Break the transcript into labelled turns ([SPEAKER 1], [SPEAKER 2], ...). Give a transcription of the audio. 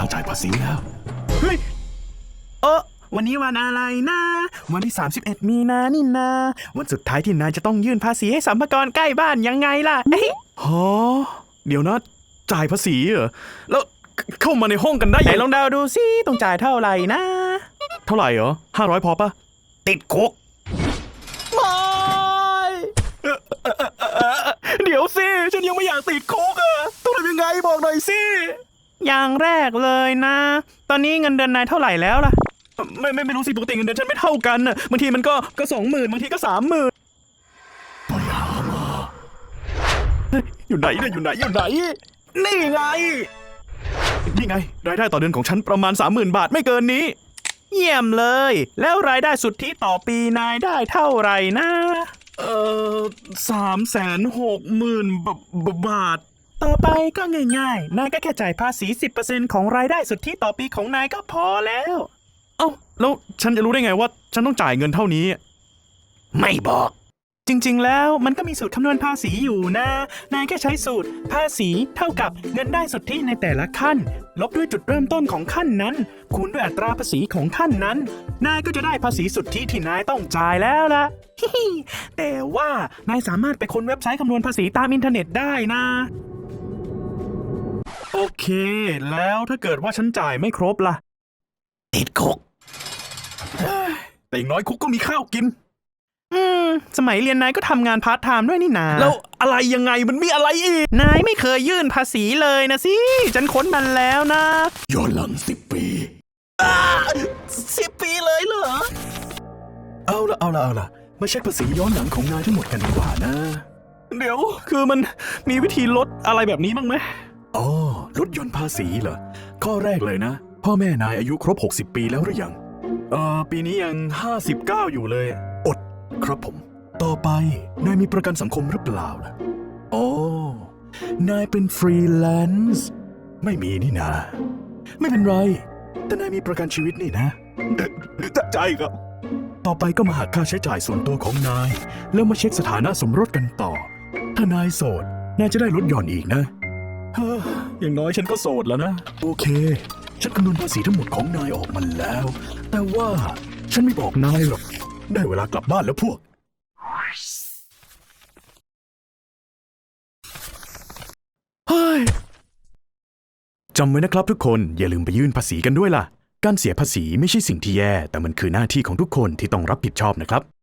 [SPEAKER 1] จ่ายภาษีแล้ว
[SPEAKER 2] เฮ้ยวันนี้วันอะไรนะวันที่31 มีนานี่นาวันสุดท้ายที่นายจะต้องยื่นภาษีให้สรรพากรใกล้บ้านยังไงล่ะ
[SPEAKER 1] ฮะเดี๋ยวนะจ่ายภาษีเหรอแล้วเข้ามาในห้องกันได้
[SPEAKER 2] ไหน
[SPEAKER 1] ยัง
[SPEAKER 2] ลองเดาดูสิต้องจ่ายเท่าไหร่นะ
[SPEAKER 1] เท่าไหร่เหรอ500พอปะ
[SPEAKER 2] ติดคุกไม่
[SPEAKER 1] เดี๋ยวสิฉันยังไม่อยากติดคุกอะต้องทำยังไงบอกหน่อยสิ
[SPEAKER 2] อย่างแรกเลยนะตอนนี้เงินเดือนนายเท่าไหร่แล้วล่ะ
[SPEAKER 1] ไม่รู้สิปกติเงินเดือนฉันไม่เท่ากันน่ะบางทีมันก็20,000บางทีก็30,000ไปหามาอยู่ไหนเนี่ยอยู่ไหนนี่ไงรายได้ต่อเดือนของฉันประมาณ 30,000 บาทไม่เกินนี้
[SPEAKER 2] เยี่ยมเลยแล้วรายได้สุทธิต่อปีนายได้เท่าไหร่นะ
[SPEAKER 1] 360,000 บาท
[SPEAKER 2] ต่อไปก็ง่ายๆนายก็แค่จ่ายภาษี 10% ของรายได้สุทธิต่อปีของนายก็พอแล้ว
[SPEAKER 1] เอ้าแล้วฉันจะรู้ได้ไงว่าฉันต้องจ่ายเงินเท่านี้
[SPEAKER 2] ไม่บอกจริงๆแล้วมันก็มีสูตรคำนวณภาษีอยู่นะนายแค่ใช้สูตรภาษีเท่ากับเงินได้สุทธิในแต่ละขั้นลบด้วยจุดเริ่มต้นของขั้นนั้นคูณด้วยอัตราภาษีของขั้นนั้นนายก็จะได้ภาษีสุทธิที่นายต้องจ่ายแล้วล่ะ แต่ว่านายสามารถไปค้นเว็บไซต์คำนวณภาษีตามอินเทอร์เน็ตได้นะ
[SPEAKER 1] โอเคแล้วถ้าเกิดว่าฉันจ่ายไม่ครบล่ะ
[SPEAKER 2] ติดคุก
[SPEAKER 1] แต่อย่างน้อยคุกก็มีข้าวกิน
[SPEAKER 2] สมัยเรียนนายก็ทำงานพาร์ทไทม์ด้วยนี่นา
[SPEAKER 1] แล้วอะไรยังไงมันมีอะไรอีก
[SPEAKER 2] นายไม่เคยยื่นภาษีเลยนะสิฉันค้นมันแล้วนะ
[SPEAKER 1] ย้อนหลัง10 ปี
[SPEAKER 2] 10 ปีเลยเหรอ
[SPEAKER 1] เอาละมาเช็คภาษีย้อนหลังของนายทั้งหมดกันดีกว่านะเดี๋ยวคือมันมีวิธีลดอะไรแบบนี้บ้างไหมอ๋อลดหย่อนภาษีเหรอข้อแรกเลยนะพ่อแม่นายอายุครบ60 ปีแล้วหรือยังปีนี้ยัง59อยู่เลยอดครับผมต่อไปนายมีประกันสังคมหรือเปล่าล่ะโอ้นายเป็นฟรีแลนซ์ไม่มีนี่นาไม่เป็นไรแต่นายมีประกันชีวิตนี่นะใจครับต่อไปก็มาหักค่าใช้จ่ายส่วนตัวของนายแล้วมาเช็คสถานะสมรสกันต่อถ้านายโสดนายจะได้ลดหย่อนอีกนะอย่างน้อยฉันก็โสดแล้วนะโอเคฉันคำนวณภาษีทั้งหมดของนายออกมาแล้วแต่ว่าฉันไม่บอกนายหรอกได้เวลากลับบ้านแล้วพวกเฮ้ยจำไว้นะครับทุกคนอย่าลืมไปยื่นภาษีกันด้วยล่ะการเสียภาษีไม่ใช่สิ่งที่แย่แต่มันคือหน้าที่ของทุกคนที่ต้องรับผิดชอบนะครับ